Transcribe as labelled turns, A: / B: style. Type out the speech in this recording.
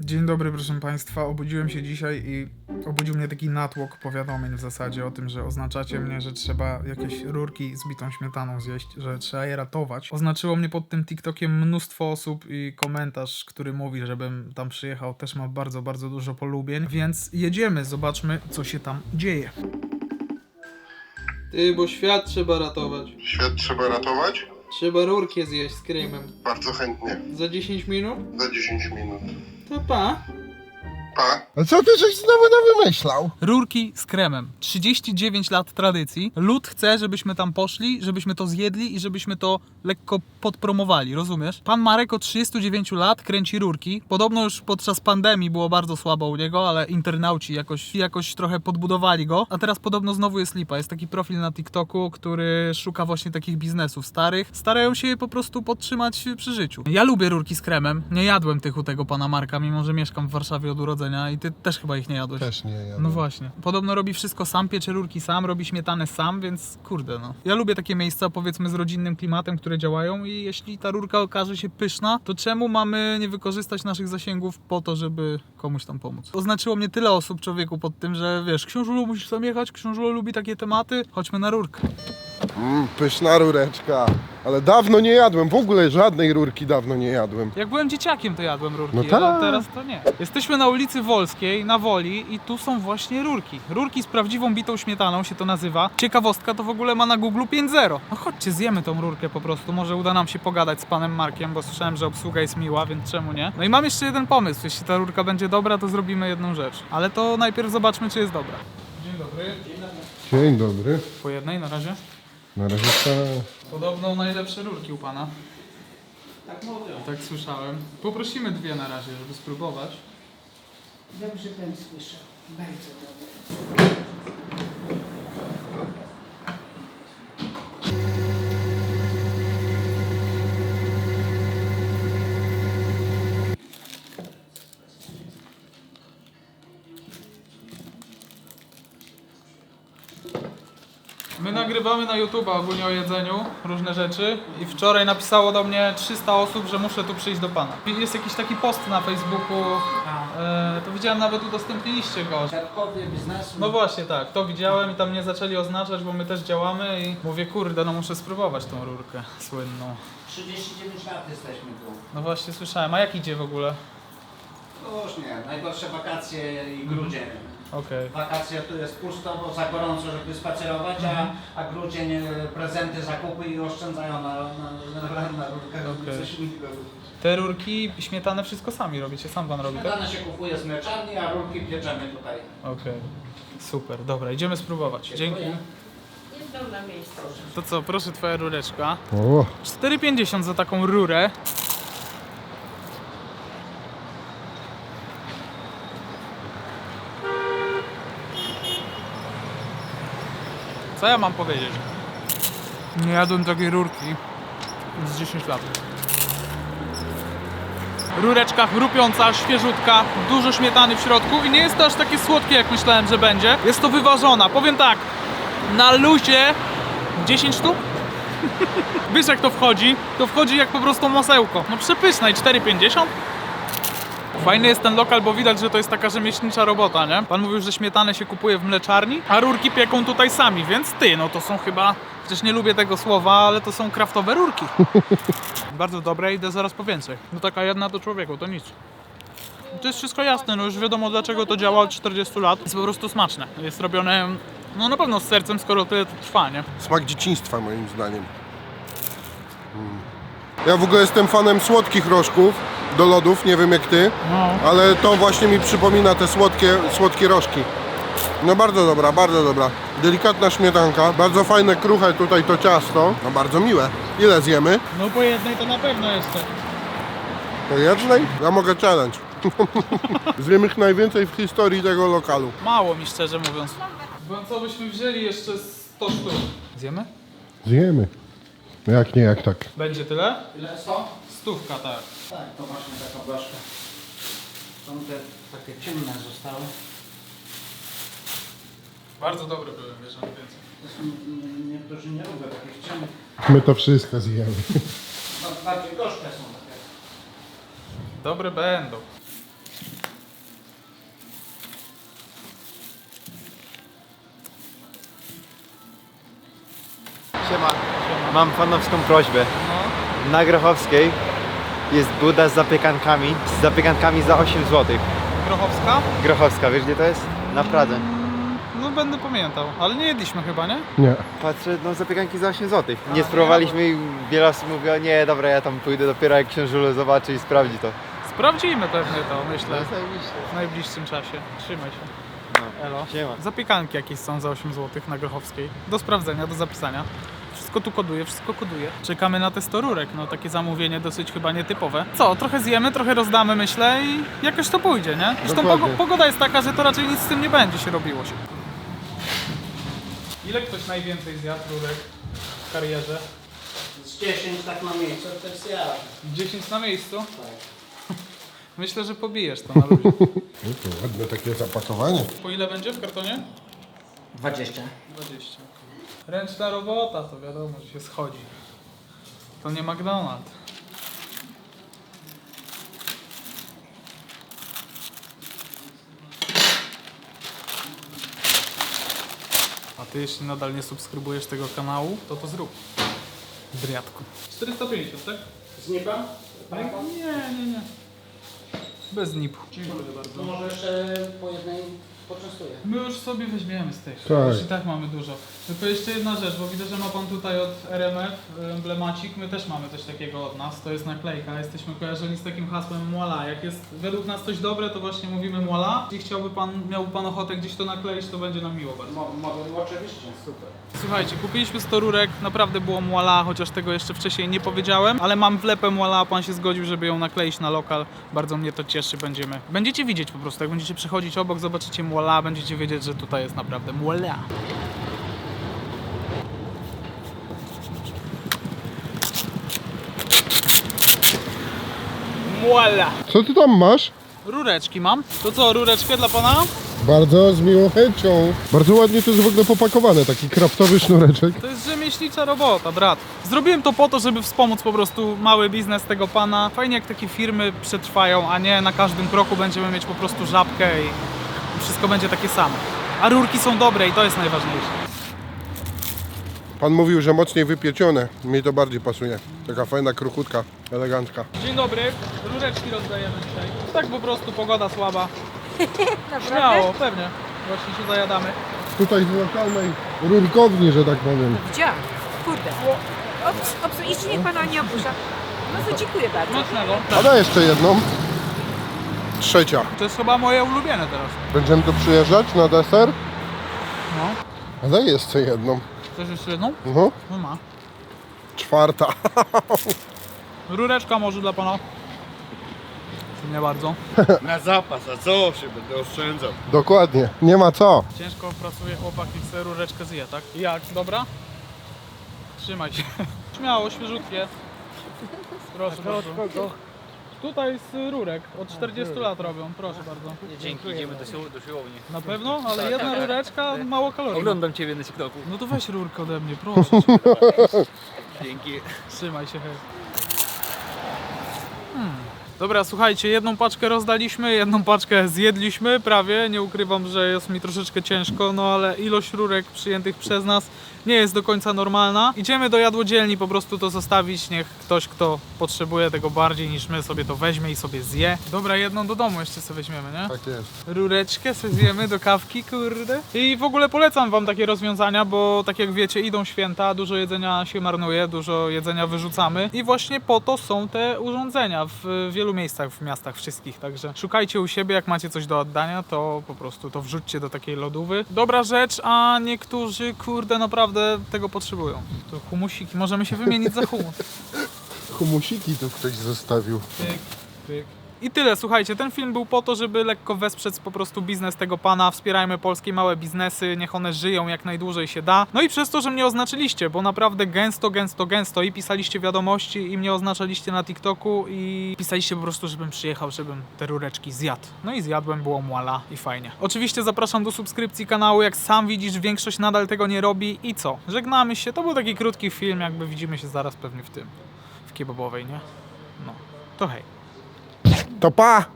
A: Dzień dobry, proszę Państwa. Obudziłem się dzisiaj i obudził mnie taki natłok powiadomień w zasadzie o tym, że oznaczacie mnie, że trzeba jakieś rurki z bitą śmietaną zjeść, że trzeba je ratować. Oznaczyło mnie pod tym TikTokiem mnóstwo osób i komentarz, który mówi, żebym tam przyjechał, też ma bardzo, bardzo dużo polubień, więc jedziemy, zobaczmy, co się tam dzieje.
B: Ty, bo świat trzeba ratować.
C: Świat trzeba ratować?
B: Trzeba rurkę zjeść z kremem.
C: Bardzo chętnie.
B: Za 10 minut?
C: Za 10 minut.
B: To pa.
C: Pa.
D: A co ty żeś znowu wymyślał?
E: Rurki z kremem. 39 lat tradycji. Lud chce, żebyśmy tam poszli, żebyśmy to zjedli i żebyśmy to lekko podpromowali, rozumiesz? Pan Marek od 39 lat kręci rurki. Podobno już podczas pandemii było bardzo słabo u niego, ale internauci jakoś trochę podbudowali go. A teraz podobno znowu jest lipa. Jest taki profil na TikToku, który szuka właśnie takich biznesów starych. Starają się je po prostu podtrzymać przy życiu. Ja lubię rurki z kremem. Nie jadłem tych u tego pana Marka, mimo że mieszkam w Warszawie od urodzenia i ty też chyba ich nie jadłeś.
D: Też nie, ja
E: No właśnie. Podobno robi wszystko sam, piecze rurki sam, robi śmietanę sam, więc kurde no. Ja lubię takie miejsca, powiedzmy, z rodzinnym klimatem, które działają i jeśli ta rurka okaże się pyszna, to czemu mamy nie wykorzystać naszych zasięgów po to, żeby komuś tam pomóc? Oznaczyło mnie tyle osób, człowieku, pod tym, że wiesz, książulo musisz tam jechać, książulo lubi takie tematy, chodźmy na rurkę.
D: Pyszna rureczka. Ale dawno nie jadłem, w ogóle żadnej rurki dawno nie jadłem.
E: Jak byłem dzieciakiem, to jadłem rurki,
D: No
E: ale
D: tak.
E: teraz to nie. Jesteśmy na ulicy Wolskiej, na Woli i tu są właśnie rurki. Rurki z prawdziwą bitą śmietaną się to nazywa. Ciekawostka, to w ogóle ma na Google 5.0. No chodźcie, zjemy tą rurkę po prostu. Może uda nam się pogadać z panem Markiem, bo słyszałem, że obsługa jest miła, więc czemu nie? No i mam jeszcze jeden pomysł. Jeśli ta rurka będzie dobra, to zrobimy jedną rzecz. Ale to najpierw zobaczmy, czy jest dobra. Dzień dobry.
D: Dzień dobry.
E: Po jednej na razie.
D: Na razie
E: Podobno najlepsze rurki u pana. Tak mówią. Tak słyszałem. Poprosimy dwie na razie, żeby spróbować.
F: Dobrze pan słyszał. Bardzo dobrze.
E: My nagrywamy na YouTube'a ogólnie o jedzeniu, różne rzeczy i wczoraj napisało do mnie 300 osób, że muszę tu przyjść do pana. Jest jakiś taki post na Facebooku, to widziałem, nawet udostępniliście go.
F: Środkowy biznesu.
E: No właśnie tak, to widziałem i tam mnie zaczęli oznaczać, bo my też działamy i mówię, kurde, no muszę spróbować tą rurkę słynną.
F: 39 lat jesteśmy tu.
E: No właśnie słyszałem, a jak idzie w ogóle?
F: Różnie. Najgorsze wakacje i grudzień.
E: Okej.
F: Wakacje tu jest pusto, bo za gorąco, żeby spacerować, a grudzień prezenty, zakupy i oszczędzają na rurkach.
E: Okej.
F: Coś innego.
E: Te rurki, śmietanę, wszystko sami robicie, sam pan robi, tak?
F: Śmietane się kupuje z mleczarni, a rurki pieczemy tutaj.
E: Okej. Super, dobra, idziemy spróbować. Dzięki.
G: Jeżdżą na miejscu.
E: To co, proszę, twoja rureczka.
D: O,
E: 4,50 za taką rurę. Co ja mam powiedzieć? Nie jadłem takiej rurki z 10 lat. Rureczka chrupiąca, świeżutka, dużo śmietany w środku i nie jest to aż takie słodkie, jak myślałem, że będzie. Jest to wyważona. Powiem tak, na luzie 10 sztuk? Wiesz, jak to wchodzi? To wchodzi jak po prostu masełko. No przepyszne i 4,50? Fajny jest ten lokal, bo widać, że to jest taka rzemieślnicza robota, nie? Pan mówił, że śmietanę się kupuje w mleczarni, a rurki pieką tutaj sami, więc no to są chyba... Przecież nie lubię tego słowa, ale to są kraftowe rurki. Bardzo dobre, idę zaraz po więcej. No taka jedna do człowieku, to nic. To jest wszystko jasne, no już wiadomo, dlaczego to działa od 40 lat. Jest po prostu smaczne. Jest robione, no na pewno z sercem, skoro tyle to trwa, nie?
D: smak dzieciństwa moim zdaniem. Ja w ogóle jestem fanem słodkich rożków do lodów, nie wiem jak ty,
E: No.
D: ale to właśnie mi przypomina te słodkie rożki. No bardzo dobra, bardzo dobra. Delikatna śmietanka, bardzo fajne, kruche tutaj to ciasto. No bardzo miłe. Ile zjemy?
E: No po jednej to na pewno jeszcze.
D: Po jednej? Ja mogę challenge. Zjem ich najwięcej w historii tego lokalu.
E: Mało mi, szczerze mówiąc. Bo co byśmy wzięli jeszcze 100 sztuk? Zjemy?
D: Zjemy. No jak nie, jak tak.
E: Będzie tyle?
F: Ile 100?
E: Stówka, tak.
F: Tak, to właśnie taka blaszka. Są te takie ciemne zostały.
E: Bardzo dobre były, wiesz, ale więcej.
F: To są, niektórzy nie lubią takich ciemnych.
D: My to wszystko zjemy.
F: Bardziej gorzkie są takie.
E: Dobre będą.
H: Siema. Mam fanowską prośbę. Na Grochowskiej jest buda z zapiekankami za 8 zł.
E: Grochowska?
H: Grochowska, wiesz gdzie to jest? Na Pradze.
E: No będę pamiętał, ale nie jedliśmy chyba, nie?
D: Nie.
H: Patrzę, no zapiekanki za 8 zł. Nie spróbowaliśmy i wiele osób mówi, o nie, dobra, ja tam pójdę dopiero jak książulo zobaczy i sprawdzi to.
E: Sprawdzimy pewnie to, myślę,
H: zajebiście.
E: w najbliższym czasie. Trzymaj się.
H: No.
E: Elo.
H: Siema.
E: Zapiekanki jakieś są za 8 zł na Grochowskiej. Do sprawdzenia, do zapisania. Wszystko tu koduje, wszystko koduje. Czekamy na te 100 rurek, no takie zamówienie dosyć chyba nietypowe. Co, trochę zjemy, trochę rozdamy, myślę i jakoś to pójdzie, nie? Zresztą
D: Dokładnie.
E: pogoda jest taka, że to raczej nic z tym nie będzie się robiło się. Ile ktoś najwięcej zjadł rurek w karierze?
F: Z 10 tak na miejscu, to jest ja.
E: 10 na miejscu? Myślę, że pobijesz to na ludzie.
D: No to ładne takie zapakowanie.
E: Po ile będzie w kartonie?
F: 20.
E: 20. Ręczna robota, to wiadomo, że się schodzi. To nie McDonald's. A ty jeśli nadal nie subskrybujesz tego kanału, to zrób. Driatku. 450, tak?
F: Z nieba?
E: Nie. Bez nipu. Dziękuję bardzo.
F: To może jeszcze po jednej poczęstuję.
E: My już sobie weźmiemy z tych.
D: Tak.
E: Już i tak mamy dużo. Tylko jeszcze jedna rzecz, bo widzę, że ma pan tutaj od RMF emblemacik. My też mamy coś takiego od nas. To jest naklejka. Jesteśmy kojarzeni z takim hasłem Muala. Jak jest według nas coś dobre, to właśnie mówimy Muala. Jeśli miałby pan ochotę gdzieś to nakleić, to będzie nam miło bardzo.
F: Mogę, oczywiście, super.
E: Słuchajcie, kupiliśmy 100 rurek, naprawdę było Muala, chociaż tego jeszcze wcześniej nie powiedziałem, ale mam wlepę Muala, pan się zgodził, żeby ją nakleić na lokal. Bardzo mnie to cieszy, będziecie widzieć po prostu, jak będziecie przechodzić obok, zobaczycie Muala, będziecie wiedzieć, że tutaj jest naprawdę Muala. Muala!
D: Co ty tam masz?
E: Rureczki mam. To co, rureczkę dla pana?
D: Bardzo z miłą chęcią. Bardzo ładnie to jest w ogóle popakowane, taki kraftowy sznureczek.
E: To jest rzemieślnicza robota, brat. Zrobiłem to po to, żeby wspomóc po prostu mały biznes tego pana. Fajnie jak takie firmy przetrwają, a nie na każdym kroku będziemy mieć po prostu żabkę i wszystko będzie takie samo. A rurki są dobre i to jest najważniejsze.
D: Pan mówił, że mocniej wypiecione. Mi to bardziej pasuje. Taka fajna kruchutka, elegancka.
E: Dzień dobry, rureczki rozdajemy dzisiaj. Tak po prostu, pogoda słaba. Śmiało, pewnie. Właśnie się zajadamy.
D: Tutaj z lokalnej rurkowni, że tak powiem.
I: Widziałam. Kurde. Jeszcze niech pana nie opuszcza. No to dziękuję bardzo.
E: Mocnego.
D: A da jeszcze jedną. Trzecia.
E: To jest chyba moje ulubione teraz.
D: Będziemy tu przyjeżdżać na deser?
E: No.
D: A daj jeszcze jedną.
E: Chcesz jeszcze jedną?
D: No.
E: No ma.
D: Czwarta.
E: Rureczka może dla pana. Nie bardzo.
H: Na zapas, a co się będę oszczędzał?
D: Dokładnie. Nie ma co.
E: Ciężko pracuje chłopak i chce rureczkę zje, tak? Jak? Dobra? Trzymaj się. Śmiało, świeżutkie. Proszę bardzo. Tutaj z rurek. Od 40 lat robią. Proszę bardzo.
J: Dzięki, idziemy do siłowni.
E: Na pewno? Ale jedna rureczka, mało kalorii.
J: Oglądam Ciebie na TikToku.
E: No to weź rurkę ode mnie, proszę cię.
J: Dzięki.
E: Trzymaj się, hej. Dobra, słuchajcie, jedną paczkę rozdaliśmy, jedną paczkę zjedliśmy prawie. Nie ukrywam, że jest mi troszeczkę ciężko, no ale ilość rurek przyjętych przez nas nie jest do końca normalna. Idziemy do jadłodzielni po prostu to zostawić, niech ktoś, kto potrzebuje tego bardziej niż my, sobie to weźmie i sobie zje. Dobra, jedną do domu jeszcze sobie weźmiemy, nie?
D: Tak jest.
E: Rureczkę sobie zjemy do kawki, kurde. I w ogóle polecam wam takie rozwiązania, bo tak jak wiecie, idą święta, dużo jedzenia się marnuje, dużo jedzenia wyrzucamy i właśnie po to są te urządzenia w wielu miejscach, w miastach wszystkich, także szukajcie u siebie, jak macie coś do oddania, to po prostu to wrzućcie do takiej lodówy. Dobra rzecz, a niektórzy, kurde, naprawdę tego potrzebują. To humusiki, możemy się wymienić za humus.
D: Humusiki tu ktoś zostawił.
E: Pyk, pyk. I tyle, słuchajcie, ten film był po to, żeby lekko wesprzeć po prostu biznes tego pana. Wspierajmy polskie małe biznesy, niech one żyją jak najdłużej się da. No i przez to, że mnie oznaczyliście, bo naprawdę gęsto i pisaliście wiadomości i mnie oznaczaliście na TikToku i pisaliście po prostu, żebym przyjechał, żebym te rureczki zjadł. No i zjadłem, było muala i fajnie. Oczywiście zapraszam do subskrypcji kanału, jak sam widzisz, większość nadal tego nie robi i co? Żegnamy się, to był taki krótki film, jakby widzimy się zaraz pewnie w kebabowej, nie? No, to hej.
D: To pa!